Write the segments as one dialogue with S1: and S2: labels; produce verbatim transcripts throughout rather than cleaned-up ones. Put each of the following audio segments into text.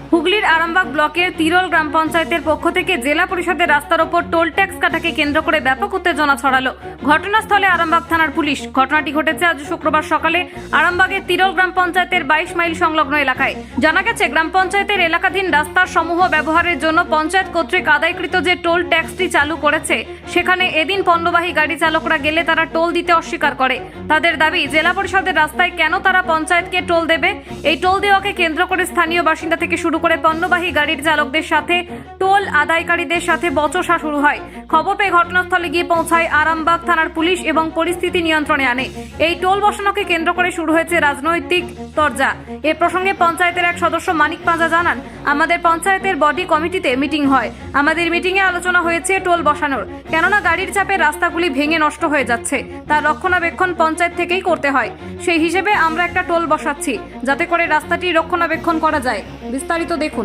S1: হুগলির আরামবাগ ব্লকের তিরল গ্রাম পঞ্চায়েতের পক্ষ থেকে জেলা পরিষদের রাস্তার ওপর টোল ট্যাক্স কাটাকে কেন্দ্র করে ব্যাপক উত্তেজনা ছড়ালো। ঘটনাস্থলে আরামবাগ থানার পুলিশ। ঘটনাটি ঘটেছে আজ শুক্রবার সকালে আরামবাগের তিরল গ্রাম পঞ্চায়েতের বাইশ মাইল সংলগ্ন এলাকায়। জানা গেছে, গ্রাম পঞ্চায়েতের এলাকাধীন রাস্তার সমূহ ব্যবহারের জন্য পঞ্চায়েত কর্তৃক আদায়কৃত যে টোল ট্যাক্সটি চালু করেছে, সেখানে এদিন পণ্যবাহী গাড়ি চালকরা গেলে তারা টোল দিতে অস্বীকার করে। তাদের দাবি, জেলা পরিষদের রাস্তায় কেন তারা পঞ্চায়েতকে টোল দেবে? এই টোল দেওয়াকে কেন্দ্র করে স্থানীয় বাসিন্দা থেকে শুরু করে পণ্যবাহী গাড়ির চালকদের সাথে টোল আদায়কারীদের সাথে বচসা শুরু হয়। খবর পেয়ে ঘটনাস্থলে গিয়ে পৌঁছায় আরামবাগ থানার পুলিশ এবং পরিস্থিতি নিয়ন্ত্রণে আনে। এই টোল বসানোকে কেন্দ্র করে শুরু হয়েছে রাজনৈতিক তরজা। এ প্রসঙ্গে পঞ্চায়েতের এক সদস্য মানিক পাঁজা জানান, আমাদের পঞ্চায়েতের বডি কমিটিতে মিটিং হয়। আমাদের মিটিংয়ে আলোচনা হয়েছে টোল বসানোর, কেননা গাড়ির চাপে রাস্তাগুলি ভেঙে নষ্ট হয়ে যাচ্ছে, তার রক্ষণাবেক্ষণ পঞ্চায়েত থেকেই করতে হয়। সেই হিসেবে আমরা একটা টোল বসাচ্ছি, যাতে করে রাস্তাটি রক্ষণাবেক্ষণ করা যায়। বিস্তারিত দেখুন।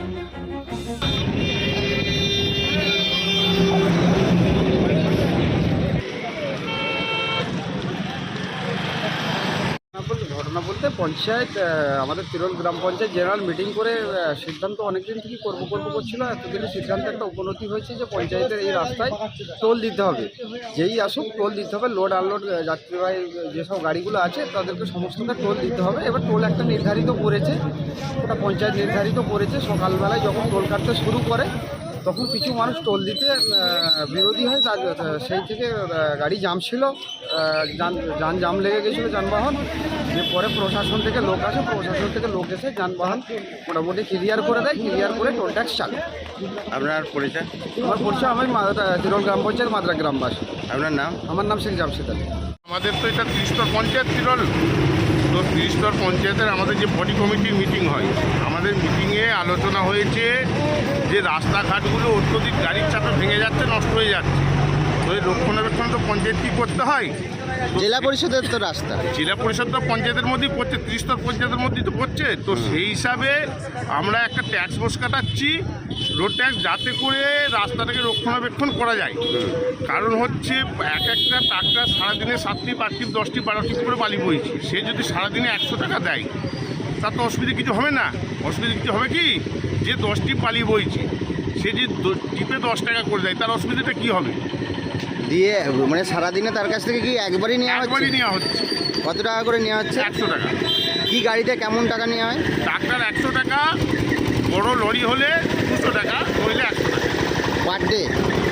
S2: ঘটনা বলতে পঞ্চায়েত আমাদের তিরল গ্রাম পঞ্চায়েত জেনারেল মিটিং করে সিদ্ধান্ত অনেকদিন থেকে করবো করবো করছিল। এতদিনে সিদ্ধান্ত একটা উপনতি হয়েছে যে পঞ্চায়েতের এই রাস্তায় টোল দিতে হবে, যেই আসুক টোল দিতে হবে। লোড আনলোড যাত্রীবাহী যেসব গাড়িগুলো আছে তাদেরকে সমস্তটা টোল দিতে হবে। এবার টোল একটা নির্ধারিত করেছে, ওটা পঞ্চায়েত নির্ধারিত করেছে। সকালবেলায় যখন টোল কাটতে শুরু করে তখন কিছু মানুষ টোল দিতে বিরোধী হয়, তার সেই থেকে গাড়ি জাম ছিল, যান যান জাম লেগে গেছিলো যানবাহন। যে পরে প্রশাসন থেকে লোক আসে, প্রশাসন থেকে লোক এসে যানবাহন মোটামুটি ক্লিয়ার করে দেয়, ক্লিয়ার করে টোল ট্যাক্স চালু।
S3: আপনার পরিচয়?
S2: আমার পরিচয়, আমি তিরল গ্রাম পঞ্চায়েত মাদ্রা গ্রামবাসী।
S3: আপনার নাম?
S2: আমার নাম শেখ জামশেদ আলী।
S4: আমাদের তো এটা ত্রিস্তর পঞ্চায়েত তিরল, তো ত্রিস্তর পঞ্চায়েতের আমাদের যে বডি কমিটির মিটিং হয়, আমাদের মিটিংয়ে আলোচনা হয়েছে যে রাস্তাঘাটগুলো অত্যধিক গাড়ির চাপে ভেঙে যাচ্ছে, নষ্ট হয়ে যাচ্ছে। তো এই রক্ষণাবেক্ষণ তো পঞ্চায়েত কী করতে হয়?
S3: জেলা পরিষদের তো রাস্তা,
S4: জেলা পরিষদ তো পঞ্চায়েতের মধ্যেই পড়ছে, ত্রিস্তর পঞ্চায়েতের মধ্যেই তো পড়ছে। তো সেই হিসাবে আমরা একটা ট্যাক্স বস কাটাচ্ছি, রোড ট্যাক্স, যাতে করে রাস্তাটাকে রক্ষণাবেক্ষণ করা যায়। কারণ হচ্ছে এক একটা ট্রাক্টর সারাদিনে সাতটি আটটি দশটি বারোটি করে বালি বইছে, সে যদি সারাদিনে একশো টাকা দেয় তার তো অসুবিধা কিছু হবে না। অসুবিধা কিছু হবে কি, যে দশটি বালি বইছে সে যে টিপে দশ টাকা করে দেয়, তার অসুবিধাটা কী হবে?
S3: দিয়ে মানে সারাদিনে তার কাছ থেকে কি একবারই নেওয়া হচ্ছে?
S4: একবারই নেওয়া হচ্ছে।
S3: কত টাকা করে নেওয়া হচ্ছে?
S4: একশো টাকা।
S3: কি গাড়িতে কেমন টাকা নেওয়া হয়?
S4: ট্রাক্টর একশো টাকা, বড় লরি হলে দুশো টাকা, নইলে একশো টাকা
S3: পার ডে।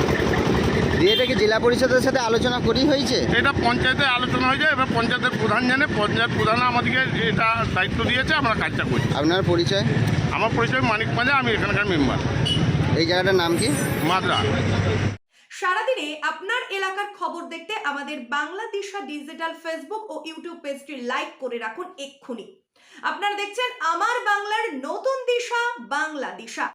S3: দিয়ে এটা কি জেলা পরিষদের সাথে আলোচনা করেই হয়েছে?
S4: এটা পঞ্চায়েতে আলোচনা হয়ে যায়। এবার পঞ্চায়েতের প্রধান জানে, পঞ্চায়েত প্রধান আমাদেরকে এটা দায়িত্ব দিয়েছে, আমরা কাজটা করি।
S3: আপনার পরিচয়?
S4: আমার পরিচয় মানিক পাঁজা, আমি এখানকার মেম্বার।
S3: এই জায়গাটার নাম কি?
S4: মাদ্রা।
S5: সারাদিনে আপনার এলাকার খবর দেখতে আমাদের বাংলাদিশা ডিজিটাল ফেসবুক ও ইউটিউব পেজটি লাইক করে রাখুন এক্ষুনি। আপনারা দেখছেন আমার বাংলার নতুন দিশা, বাংলাদিশা।